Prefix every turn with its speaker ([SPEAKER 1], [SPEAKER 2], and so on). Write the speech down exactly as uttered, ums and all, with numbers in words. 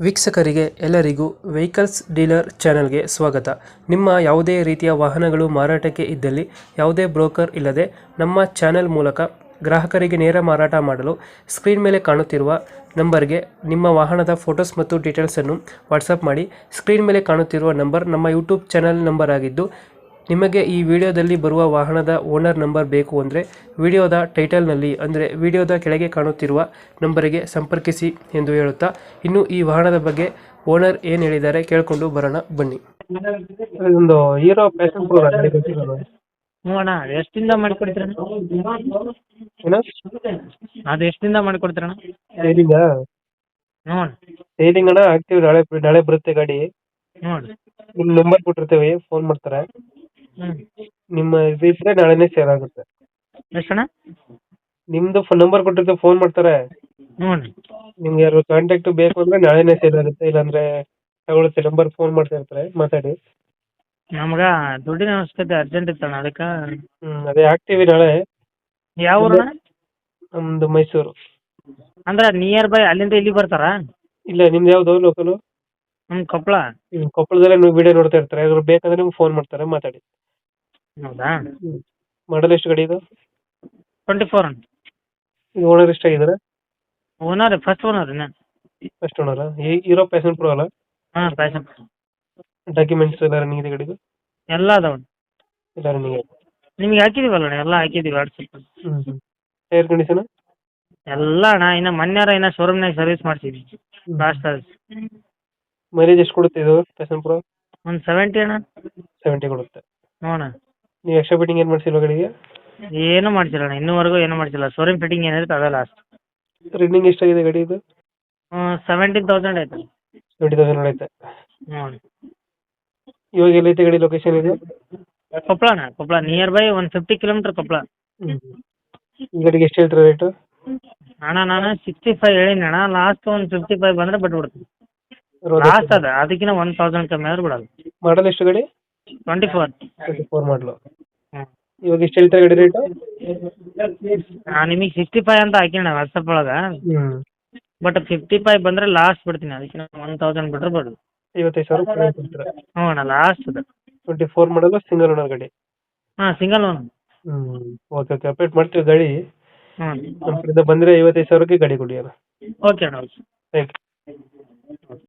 [SPEAKER 1] ವೀಕ್ಷಕರಿಗೆ ಎಲ್ಲರಿಗೂ vehicles dealer ಚಾನೆಲ್ಗೆ ಸ್ವಾಗತ. ನಿಮ್ಮ ಯಾವುದೇ ರೀತಿಯ ವಾಹನಗಳು ಮಾರಾಟಕ್ಕೆ ಇದ್ದಲ್ಲಿ ಯಾವುದೇ ಬ್ರೋಕರ್ ಇಲ್ಲದೆ ನಮ್ಮ ಚಾನೆಲ್ ಮೂಲಕ ಗ್ರಾಹಕರಿಗೆ ನೇರ ಮಾರಾಟ ಮಾಡಲು ಸ್ಕ್ರೀನ್ ಮೇಲೆ ಕಾಣುತ್ತಿರುವ ನಂಬರ್ಗೆ ನಿಮ್ಮ ವಾಹನದ ಫೋಟೋಸ್ ಮತ್ತು ಡೀಟೇಲ್ಸನ್ನು ವಾಟ್ಸಪ್ ಮಾಡಿ. ಸ್ಕ್ರೀನ್ ಮೇಲೆ ಕಾಣುತ್ತಿರುವ ನಂಬರ್ ನಮ್ಮ ಯೂಟ್ಯೂಬ್ ಚಾನೆಲ್ ನಂಬರ್ ಆಗಿದ್ದು, ನಿಮಗೆ ಈ ವಿಡಿಯೋದಲ್ಲಿ ಬರುವ ವಾಹನದ ಓನರ್ ನಂಬರ್ ಬೇಕು ಅಂದರೆ ವಿಡಿಯೋದ ಟೈಟಲ್ನಲ್ಲಿ ಅಂದರೆ ವಿಡಿಯೋದ ಕೆಳಗೆ ಕಾಣುತ್ತಿರುವ ನಂಬರಿಗೆ ಸಂಪರ್ಕಿಸಿ ಎಂದು ಹೇಳುತ್ತಾ, ಇನ್ನು ಈ ವಾಹನದ ಬಗ್ಗೆ ಓನರ್ ಏನು ಹೇಳಿದ್ದಾರೆ ಕೇಳಿಕೊಂಡು ಬರೋಣ ಬನ್ನಿ. ಒಂದು ಹೀರೋ ಪ್ಯಾಷನ್ ಪ್ರೋ
[SPEAKER 2] ಹ್ಞೂ ಅಣ್ಣ, ಎಷ್ಟಿಂದ ಮಾಡಿಕೊಡ್ತೀರಣ್ಣ? ಅದು ಎಷ್ಟಿಂದ ಮಾಡಿಕೊಡ್ತೀರಣ್ಣ?
[SPEAKER 1] ಸೇಲಿಂಗ
[SPEAKER 2] ಹ್ಞೂ ಅಣ್ಣ.
[SPEAKER 1] ಸೇಲಿಂಗ್ ಅಣ್ಣ ಆಗ್ತೀವಿ, ನಾಳೆ ನಾಳೆ ಬರುತ್ತೆ ಗಾಡಿ.
[SPEAKER 2] ಹ್ಞೂ ಅಣ್ಣ.
[SPEAKER 1] ನಿಮ್ಮ ನಂಬರ್ ಕೊಟ್ಟಿರ್ತೀವಿ, ಫೋನ್ ಮಾಡ್ತಾರೆ.
[SPEAKER 2] ಹ್ಞೂ
[SPEAKER 1] ನಿಮ್ಮ ಇದು ಇದ್ರೆ ನಾಳೆನೇ ಸೇಲ್ ಆಗುತ್ತೆ.
[SPEAKER 2] ಎಷ್ಟಣ್ಣ?
[SPEAKER 1] ನಿಮ್ದು ನಂಬರ್ ಕೊಟ್ಟಿರ್ತೀವಿ, ಫೋನ್ ಮಾಡ್ತಾರೆ.
[SPEAKER 2] ಹ್ಞೂ ಅಣ್ಣ.
[SPEAKER 1] ನಿಮ್ಗೆ ಯಾರು ಕಾಂಟ್ಯಾಕ್ಟ್ ಬೇಕು ಅಂದ್ರೆ ನಾಳೆನೇ ಸೇಲ್ ಆಗುತ್ತೆ, ಇಲ್ಲಾಂದ್ರೆ ತಗೊಳುತ್ತೆ. ನಂಬರ್ ಫೋನ್ ಮಾಡ್ತಾ ಇರ್ತಾರೆ, ಮಾತಾಡಿ.
[SPEAKER 2] ನಮ್ಗೆ ದುಡ್ಡಿನ ಅವಶ್ಯಕತೆ ಅರ್ಜೆಂಟ್ ಇತ್ತಣ್ಣ, ಅದಕ್ಕೆ.
[SPEAKER 1] ಹ್ಮ್ ಅದೇ ಆಗ್ತೀವಿ ನಾಳೆ.
[SPEAKER 2] ಯಾವ ಊರಣ್ಣ?
[SPEAKER 1] ನಮ್ದು ಮೈಸೂರು.
[SPEAKER 2] ಅಂದ್ರೆ ನಿಯರ್ ಬೈ ಅಲ್ಲಿಂದ ಇಲ್ಲಿ ಬರ್ತಾರಾ?
[SPEAKER 1] ಇಲ್ಲ, ನಿಮ್ದು ಯಾವ್ದು ಲೋಕಲು?
[SPEAKER 2] ನಮ್ಮ ಕೊಪ್ಪಳ.
[SPEAKER 1] ಹ್ಮ್ ಕೊಪ್ಪಳದಲ್ಲೇ ನೀವು ವಿಡಿಯೋ ನೋಡ್ತಾ ಇರ್ತಾರೆ, ಅದ್ರ ಬೇಕಂದ್ರೆ ನಿಮ್ಗೆ ಫೋನ್ ಮಾಡ್ತಾರೆ, ಮಾತಾಡಿ.
[SPEAKER 2] ಹೌದಾ?
[SPEAKER 1] ಹ್ಮ್ ಮಾಡಲ್ ಎಷ್ಟು ಗಾಡಿ ಇದು?
[SPEAKER 2] ಟ್ವೆಂಟಿ ಫೋರ್ ಅಣ್ಣ.
[SPEAKER 1] ಇದು ಓನರ್ ಎಷ್ಟಾಗಿದ್ದಾರೆ?
[SPEAKER 2] ಓನರ್ ಫಸ್ಟ್ ಓನರ್ ನಾನು.
[SPEAKER 1] ಫಸ್ಟ್ ಓನರಾ? ಹೀರೋ ಪ್ಯಾಷನ್ ಪ್ರೋ ಅಲ್ಲ?
[SPEAKER 2] ಹಾಂ, ಪ್ಯಾಷನ್.
[SPEAKER 1] ಡಾಕ್ಯುಮೆಂಟ್ಸ್ ಎಲ್ಲ ರನ್ನಿಂಗ್ ಇದೆ ಗಾಡಿದು?
[SPEAKER 2] ಎಲ್ಲ ಅದಾವ.
[SPEAKER 1] ಎಲ್ಲ ರನ್ನಿಂಗ್ ಇದೆ.
[SPEAKER 2] ನಿಮ್ಗೆ ಹಾಕಿದೀವಲ್ಲ ಅಣ್ಣ, ಎಲ್ಲ ಹಾಕಿದೀವಿ ವಾಟ್ಸಪ್.
[SPEAKER 1] ಹ್ಮ್ ಹ್ಮ್ ಟೈರ್ ಕಂಡೀಷನ್?
[SPEAKER 2] ಎಲ್ಲ ಅಣ್ಣ, ಇನ್ನು ಮೊನ್ನೆರ ಇನ್ನು ಶೋರೂಮ್ನಾಗ ಸರ್ವಿಸ್ ಮಾಡಿಸಿದ್ವಿ ಲಾಸ್ಟ್ ಸರ್ವಿಸ್.
[SPEAKER 1] ಮೈಲೇಜ್ ಎಷ್ಟು ಕೊಡುತ್ತೆ ಇದು ಪ್ಯಾಷನ್ ಪ್ರೋ?
[SPEAKER 2] ಒಂದು ಸೆವೆಂಟಿ ಅಣ್ಣ.
[SPEAKER 1] ಸೆವೆಂಟಿ ಕೊಡುತ್ತೆ.
[SPEAKER 2] ಹ್ಞೂ ಅಣ್ಣ.
[SPEAKER 1] ನೀವು ಎಕ್ಸ್ಟ್ರಾ ಫಿಟ್ಟಿಂಗ್ ಏನು ಮಾಡಿಸಿಲ್ವ ಗಾಡಿಗೆ?
[SPEAKER 2] ಏನೂ ಮಾಡ್ಸಿಲ್ಲ ಅಣ್ಣ, ಇನ್ನೂವರೆಗೂ ಏನೂ ಮಾಡಿಸಿಲ್ಲ. ಶೋರೂಮ್ ಫಿಟ್ಟಿಂಗ್ ಏನಿರುತ್ತೆ ಅದೇ ಲಾಸ್ಟ್.
[SPEAKER 1] ರನ್ನಿಂಗ್ ಎಷ್ಟಾಗಿದೆ ಗಾಡಿ ಇದು?
[SPEAKER 2] ಸೆವೆಂಟೀನ್ ತೌಸಂಡ್ ಆಯ್ತು.
[SPEAKER 1] ಟ್ವೆಂಟಿ ತೌಸಂಡ್ ಐತೆ.
[SPEAKER 2] ಹ್ಞೂ.
[SPEAKER 1] ಇವಾಗ ಎಲ್ಲೈತೆ ಗಾಡಿ ಲೊಕೇಶನ್ ಇದು?
[SPEAKER 2] ಕೊಪ್ಪಳ ಅಣ್ಣ, ಕೊಪ್ಪಳ ನಿಯರ್ ಬೈ ಒಂದು ಫಿಫ್ಟಿ ಕಿಲೋಮೀಟರ್ ಕೊಪ್ಪಳ.
[SPEAKER 1] ಹ್ಮ್ ಈ ಗಾಡಿಗೆ ಎಷ್ಟು ಹೇಳ್ತೀರಾ ರೇಟು?
[SPEAKER 2] ಅಣ್ಣ ನಾನು ಸಿಕ್ಸ್ಟಿ ಫೈವ್ ಹೇಳಿನಿ ಅಣ್ಣ, ಲಾಸ್ಟ್ ಒಂದು ಫಿಫ್ಟಿ ಫೈವ್ ಬಂದರೆ ಬಿಟ್ಬಿಡ್ತೀನಿ. ಲಾಸ್ಟ್ ಅದ, ಅದಕ್ಕಿಂತ ಒನ್ ತೌಸಂಡ್ ಕಮ್ಮಿ ಆದ್ರೆ ಬಿಡೋದು.
[SPEAKER 1] ಮಾಡಲ್ ಎಷ್ಟು ಗಾಡಿ?
[SPEAKER 2] Twenty four.
[SPEAKER 1] ಟ್ವೆಂಟಿ ಫೋರ್ ಮಾಡಲು.
[SPEAKER 2] ಹ್ಞೂ.
[SPEAKER 1] ಇವಾಗ ಎಷ್ಟು ಹೇಳ್ತಾರೆ ಗಾಡಿ ರೇಟು?
[SPEAKER 2] ನಾನು ನಿಮಗೆ ಸಿಕ್ಸ್ಟಿ ಫೈವ್ ಅಂತ ಹಾಕಿಣ್ಣ ವಾಟ್ಸಪ್ ಒಳಗೆ.
[SPEAKER 1] ಹ್ಮ್
[SPEAKER 2] ಬಟ್ ಫಿಫ್ಟಿ ಫೈವ್ ಬಂದರೆ ಲಾಸ್ಟ್ ಬಿಡ್ತೀನಿ, ಅದಕ್ಕಿಂತ ಒನ್ ತೌಸಂಡ್ ಬಿಟ್ರೆ ಬಿಡೋದು.
[SPEAKER 1] ಐವತ್ತೈದು ಸಾವಿರ ಕೊಡ್ತೀರಾ?
[SPEAKER 2] ಹ್ಞೂ ಅಣ್ಣ, ಲಾಸ್ಟ್ ಅದು.
[SPEAKER 1] ಟ್ವೆಂಟಿ ಫೋರ್ ಮಾಡಲು, ಸಿಂಗಲ್ ಓನರ್ ಗಾಡಿ?
[SPEAKER 2] ಹಾಂ, ಸಿಂಗಲ್ ಒನ್.
[SPEAKER 1] ಹ್ಮ್ ಓಕೆ ಓಕೆ ಅಪ್ಡೇಟ್ ಮಾಡ್ತೀವಿ ಗಾಡಿ.
[SPEAKER 2] ಹ್ಞೂ.
[SPEAKER 1] ನಮ್ಮ ಕಡೆಯಿಂದ ಬಂದರೆ ಐವತ್ತೈದು ಸಾವಿರಕ್ಕೆ ಗಾಡಿ ಕೊಡಿ ಅಣ್ಣ.
[SPEAKER 2] ಓಕೆ ಅಣ್ಣ, ಓಕೆ.
[SPEAKER 1] Thank you.